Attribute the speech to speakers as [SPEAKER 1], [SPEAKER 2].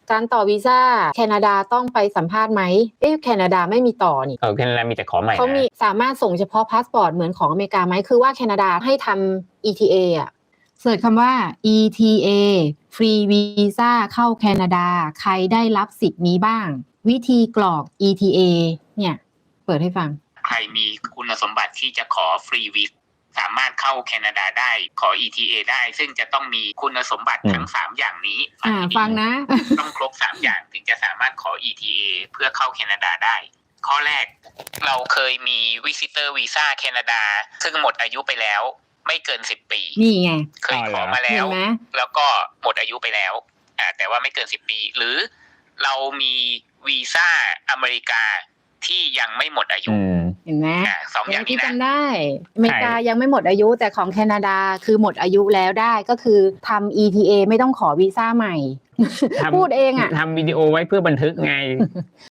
[SPEAKER 1] การต่อวีซ่าแคนาดาต้องไปสัมภาษณ์ไหมแคนาดาไม่มีต่อนี่
[SPEAKER 2] แคนาดามีแต่ขอใหม่
[SPEAKER 1] เขามีสามารถส่งเฉพาะพาสปอร์ตเหมือนของอเมริกาไหมคือว่าแคนาดาให้ทำ ETA อ่ะเสิร์ชคำว่า ETA ฟรีวีซ่าเข้าแคนาดาใครได้รับสิทธิ์นี้บ้างวิธีกรอก ETA เนี่ยเปิดให้ฟัง
[SPEAKER 3] ใครมีคุณสมบัติที่จะขอฟรีวีซ่าสามารถเข้าแคนาดาได้ขอ ETA ได้ซึ่งจะต้องมีคุณสมบัติทั้ง3อย่างนี้
[SPEAKER 1] ฟังนะ
[SPEAKER 3] ต้องครบ3อย่างถึงจะสามารถขอ ETA เพื่อเข้าแคนาดาได้ข้อแรกเราเคยมี Visitor Visa แคนาดาซึ่งหมดอายุไปแล้วไม่เกิน10 ปี
[SPEAKER 1] นี่ไง
[SPEAKER 3] เคยขอมาแล้วแล้วก็หมดอายุไปแล้วแต่ว่าไม่เกิน10 ปีหรือเรามีวีซ่าอเมริกาที่ยังไม่หมดอายุ
[SPEAKER 1] เห็นไหม
[SPEAKER 3] 2 อย่างนี้นะ
[SPEAKER 1] จำได้อเมริกายังไม่หมดอายุแต่ของแคนาดาคือหมดอายุแล้วได้ก็คือทำ ETA ไม่ต้องขอวีซ่าใหม่พูดเองอ่ะ
[SPEAKER 2] ทำวิดีโอไว้เพื่อบันทึกไง